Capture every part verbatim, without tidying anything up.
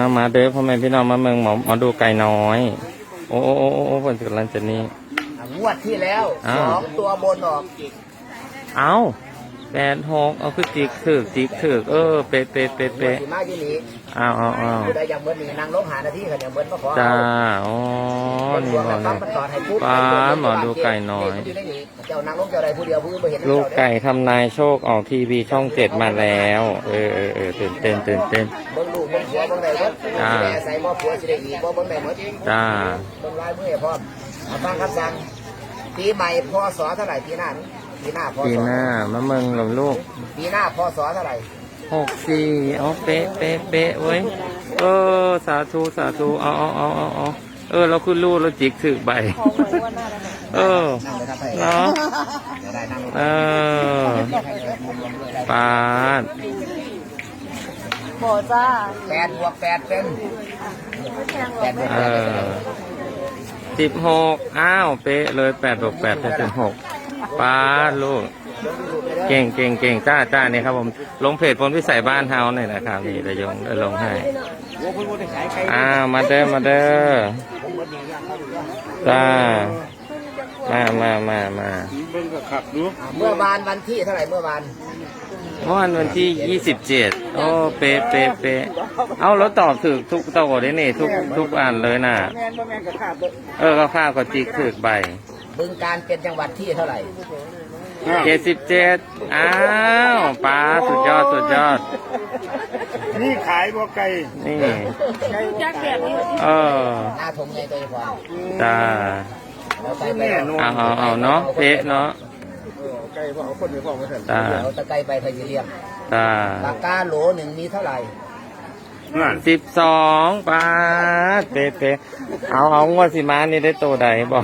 มาเด้อพ่อแม่พี่น้องมาเมืองหมอมาดูไก่น้อยโอ้โอ้โอ้โอ้ผลกำลังจะนี่งวดที่แล้วสองตัวบนออกเอาแปดหกเอาคือจิกถือจิกถือเออเป๊ะเป๊ะเป๊ะเป๊ะสีมาที่นี่อ้าวอ้าวอ้าวได้ยังเบิ้ลนี่นางลงหานาทีกันยังเบิ้ลมาขอจ้าอ๋อนี่บอกเลยป้าหมอดูไก่น้อยเจ้านางลงเจ้าใดผู้เดียวผู้ไม่เห็นลูกไก่ทำนายโชคออกทีวีช่องเจ็ดมาแล้วเออเออเออตื่นเต้นตื่นเต้นเบิ้งลูกเบิ้งผัวเบิ้งไหนเบิ้งใส่หม้อผัวสิได้อีกเบิ้งไหนหมดจ้าเบิ้งลายมือพร้อมฟังคำสั่งปีใหม่พศเท่าไหร่ปีหน้าปีหน้าพศปีหน้ามะเมืองกับลูกปีหน้าพศเท่าไหร่หกสี่เอาเป๊ะเป๊ะเป๊ะเว้ยเออสาธุสาธุเอาเอาเอาเอาเอาเออเราคือลูกเราจิกถือใบเออเนาะเออปาดโบจ้าแปดบวกแปดเป็นเออสิบหกอ้าวเป๊ะเลยแปดบวกแปดเป็นสิบหกปาดลูกเก่งเก่งเก่งจ้าจ้าเนี่ยครับผมลงเพจพลพิสัยบ้านเฮาเนี่ยนะครับนี่ระยงได้ลงให้อ้าวมาเด้อมาเด้อจ้ามามามามาเมื่อวานวันที่เท่าไหร่เมื่อวานเมื่อวานวันที่ยี่สิบเจ็ดโอ้เป๊ะเป๊ะเป๊ะเอาแล้วตอบถูกทุกตัวได้นี่ทุกทุกอันเลยน่ะเออก็ข้าวก็จิกถูกใบบึงการเป็นจังหวัดที่เท่าไหร่เจ็ดสิบเจ็ดอ้าวป้าสุดยอดสุดยอดนี่ขายบัวไก่นี่เออหน้าทงไงตัวพอจ้าเอาเอาเอาเนาะเพะเนาะไก่พ่อเอาคนไปพ่อมาเถอะจ้าเอาตะไคร้ไปพยิเลียมจ้าปากกาโหลหนึ่งมีเท่าไหร่สิบสองป้าเป๊ะเป๊ะเอาเอางวดสิมานี่ได้โตใดบอก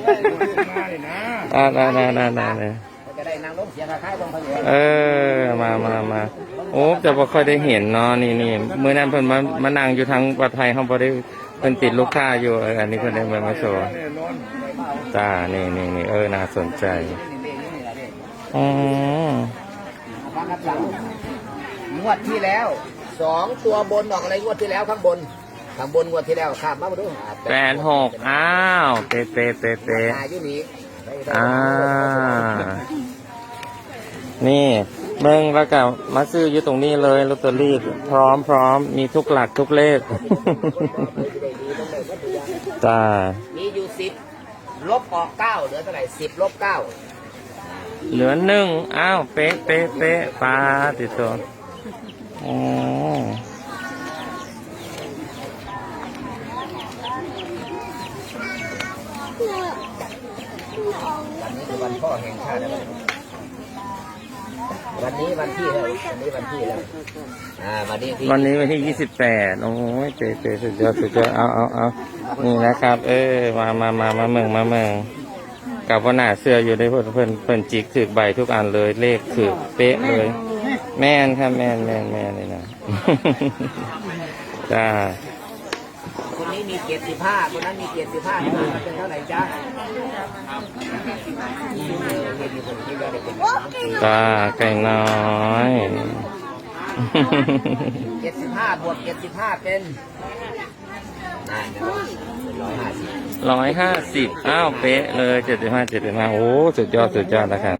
อ่าน่าน่าน่าน่าเลยเออมามามาโอ้จะบ่ค่อยได้เห็นเนาะนี่นี่เมื่อนั้นเพิ่นมามานั่งอยู่ทางปลอดภัยเขาบ่ได้เพิ่นติดลูกค้าอยู่เอออันนี้เพิ่นได้มามาโชว์จ้านี่นี่นี่เออน่าสนใจอ๋องวดที่แล้วสองตัวบนออกอะไรงวดที่แล้วข้างบนข้างบนงวดที่แล้วข้ามมาดูแปดหกอ้าวเป๊ะเป๊ะเป๊ะเป๊ะอ่านี่เบิ้งแล้วก็มาซื้ออยู่ตรงนี้เลยลอตเตอรี่พร้อมพร้อมมีทุกหลักทุกเลขจ้ามีอยู่สิบลบออกเก้าเหลือเท่าไหร่สิบลบเก้าเหลือหนึ่งอ้าวเป๊ะเป๊ะเป๊ะปลาติดตัวอ๋อวันนี้คือวันพ่อแห่งชาตินะวันนี้วันที่แล้ววันนี้วันที่แล้วอ่าวันนี้วันนี้วันที่ยี่สิบแปดโอ้ยเจ๊เจ๊สุดยอดสุดยอดเอาเอาเอานี่นะครับเออมามามามาเมืองมาเมืองกับว่าหน้าเสื้ออยู่ได้เพิ่นเพิ่นเพิ่นจิกถือใบทุกอันเลยเลขถือเป๊ะเลยแม่นครับแม่นแม่นแม่นเลยนะจ้าคนนี้มีเกียรติภาพคนนั้นมีเกียรติภาพเป็นเท่าไหร่จ้าจ้าไก่น้อยเจ็ดสิบห้าบวกเจ็ดสิบห้าเป็นร้อยห้าสิบอ้าวเป๊ะเลยเจ็ดสิบห้าเจ็ดสิบห้าโอ้สุดยอดสุดยอดนะครับ